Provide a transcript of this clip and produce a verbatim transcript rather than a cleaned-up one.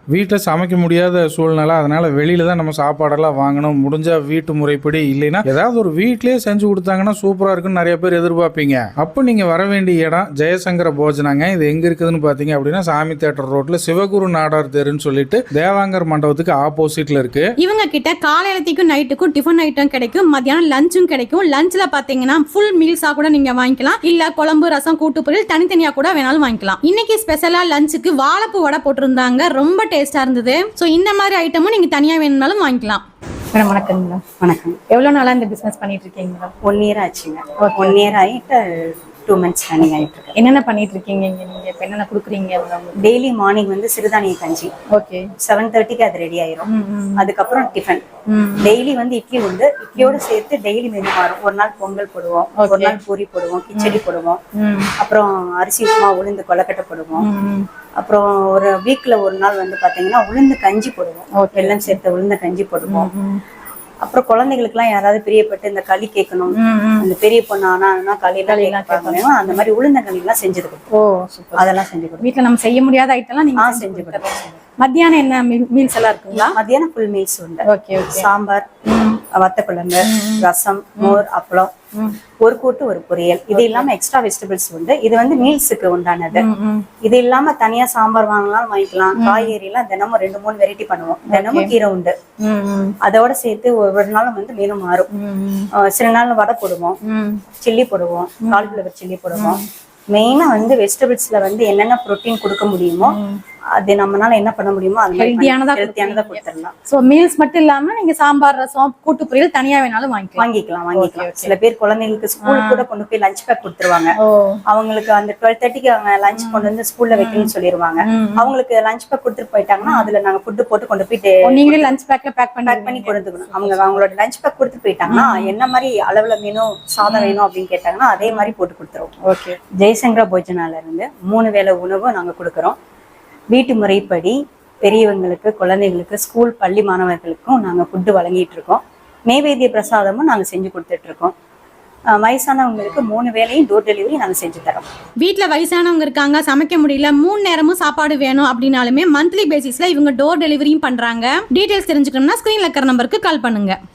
வீட்டில் சமைக்க முடியாத சூழ்நிலை, அதனால் வெளியில் தான் நம்ம சாப்பாடெல்லாம் வாங்கணும். முடிஞ்சால் வீட்டு முறைப்படி இல்லைன்னா ஏதாவது ஒரு வீட்டிலே செஞ்சு கொடுத்தாங்கன்னா சூப்பராக இருக்குன்னு நிறைய பேர் எதிர்பார்ப்பீங்க. அப்போ நீங்கள் வர வேண்டிய இடம் ஜெயசங்கர போஜனாங்க. இது எங்கே இருக்குதுன்னு பார்த்தீங்க அப்படின்னா சாமி தேட்டர் ரோட்டில் சிவகுரு நாடார் தெருன்னு சொல்லிட்டு தேவாங்கர் மண்டபத்துக்கு ஆப்போசிட்டில் இருக்குது. இவங்க கிட்ட காலையிலத்துக்கும் நைட்டுக்கும் டிஃபன் ஐட்டம் கிடைக்கும், மத்தியானம் லஞ்சும் கிடைக்கும். லஞ்சில் பார்த்தீங்கன்னா ஃபுல் மீல்ஸாக கூட நீங்கள் வாங்கிக்கலாம், இல்லை குழம்பு ரசம் கூட்டு பொரியல் தனித்தனியாக கூட வேணாலும் வாங்கிக்கலாம். இன்னைக்கு ஸ்பெஷலாக லஞ்சுக்கு வாழைப்பூ வடை போட்டிருந்தாங்க, ரொம்ப டேஸ்டா இருந்தது. ஸோ இந்த மாதிரி ஐட்டமும் நீங்க தனியா வேணும்னாலும் வாங்கிக்கலாம். மேடம் வணக்கம். மேடம் வணக்கம். எவ்வளவு நாளா இந்த பிசினஸ் பண்ணிட்டு இருக்கீங்க? மேடம் ஒன் இயர் ஆச்சுங்க. ஒன் இயர் ஆயிட்டு டூ மந்த்ஸ் ரன்னிங் ஆயிட்டு இருக்கு. என்னென்ன பண்ணிட்டு இருக்கீங்க இங்க? நீங்க இப்போ என்னென்ன கொடுக்குறீங்க? டெய்லி மார்னிங் வந்து சிறுதானிய கஞ்சி. ஓகே. செவன் தேர்ட்டிக்கு அது ரெடி ஆயிரும். அதுக்கப்புறம் டிஃபன். டெய்லி வந்து இட்லி உண்டு. இட்லியோட சேர்த்து டெய்லி மெனு மாறும். ஒரு நாள் பொங்கல் போடுவோம், ஒரு நாள் பூரி போடுவோம், கிச்சடி போடுவோம், அப்புறம் அரிசி உப்புமா உளுந்து கொலக்கட்டை போடுவோம். அப்புறம் ஒரு வீக்ல ஒரு நாள் வந்து பாத்தீங்கன்னா உளுந்து கஞ்சி போடுவோம், வெல்லம் சேர்த்த உளுந்த கஞ்சி போடுவோம். அப்புறம் குழந்தைகளுக்கு எல்லாம் யாராவது பிரியப்பட்டு இந்த களி கேட்கணும், அந்த பெரிய பொண்ணு ஆனா களியெல்லாம் அந்த மாதிரி உளுந்த களி எல்லாம் செஞ்சது கொடுப்போம். அதெல்லாம் செஞ்சு கொடுப்போம். வீட்டுல நம்ம செய்ய முடியாத ஐட்டம் எல்லாம் நீங்க செஞ்சு கொடுப்போம். மத்தியானம் என்ன மீல்ஸ் எல்லாம் இருக்குங்களா? மத்தியானம் ஃபுல் மீல்ஸ் உண்டு. ஓகே. சாம்பார், வத்த குழம்பு, ரசம், மோர், அப்பளம், ஒரு கூட்டு ஒரு பொரியல். இது இல்லாம எக்ஸ்ட்ரா வெஜிடபிள்ஸ் உண்டு. இது வந்து மீல்ஸுக்கு உண்டானது. இது இல்லாம தனியா சாம்பார் வாங்கலாம், வாங்கிக்கலாம். காய்கறி எல்லாம் தினமும் ரெண்டு மூணு வெரைட்டி பண்ணுவோம். தினமும் கீரை உண்டு. அதோட சேர்த்து ஒவ்வொரு நாளும் வந்து மீனும் மாறும். சில நாள் வடை போடுவோம், சில்லி போடுவோம், காலிஃப்ளவர் சில்லி போடுவோம். மெயினா வந்து வெஜிடபிள்ஸ்ல வந்து என்னென்ன புரோட்டீன் கொடுக்க முடியுமோ அது நம்மளால என்ன பண்ண முடியுமோ அது ஹெல்தியானதா ஹெல்தியானதா கொடுத்துடலாம். சோ மீல்ஸ் மட்டும் இல்லாம நீங்க சாம்பார் ரசம் கூட்டு பொரியல் தனியா வேணாலும் வாங்கிக்கலாம் வாங்கிக்கலாம் வாங்கிக்கலாம் சில பேர் குழந்தைங்களுக்கு ஸ்கூலுக்கு கூட கொண்டு போய் லஞ்ச் பேக் கொடுத்துருவாங்க. அவங்களுக்கு அந்த டுவெல் தேர்ட்டிக்கு அவங்க லஞ்ச் கொண்டு வந்து ஸ்கூல்ல வைக்கணும்னு சொல்லிடுவாங்க. அவங்களுக்கு லஞ்ச் பேக் கொடுத்துட்டு போயிட்டாங்கன்னா அதுல நாங்க ஃபுட்டு போட்டு கொண்டு போயிட்டு நீங்களே லஞ்ச் பேக்ல பேக் பண்ணி பேக் பண்ணி கொடுத்துக்கணும். அவங்க அவங்களோட லஞ்ச் பேக் கொடுத்துட்டு போயிட்டாங்கன்னா என்ன மாதிரி அளவுல வேணும் சாதம் வேணும் அப்படின்னு கேட்டாங்கன்னா அதே மாதிரி போட்டு கொடுத்துருவோம். ஓகே. ஜெயசங்கர போஜனால இருந்து மூணு வேளை உணவும் நாங்க கொடுக்குறோம். வீட்டு முறைப்படி பெரியவங்களுக்கு, குழந்தைகளுக்கு, ஸ்கூல் பள்ளி மாணவர்களுக்கும் நாங்கள் ஃபுட்டு வழங்கிட்டு இருக்கோம். நெய்வேத்திய பிரசாதமும் நாங்கள் செஞ்சு கொடுத்துட்டு இருக்கோம். வயசானவங்களுக்கு மூணு வேளையும் டோர் டெலிவரி நாங்கள் செஞ்சு தரோம். வீட்டில் வயசானவங்க இருக்காங்க, சமைக்க முடியல, மூணு நேரமும் சாப்பாடு வேணும் அப்படின்னாலுமே மந்த்லி பேசிஸ்ல இவங்க டோர் டெலிவரியும் பண்றாங்க. டீடைல்ஸ் தெரிஞ்சுக்கணும்னா ஸ்கிரீன்ல இருக்கிற நம்பருக்கு கால் பண்ணுங்க.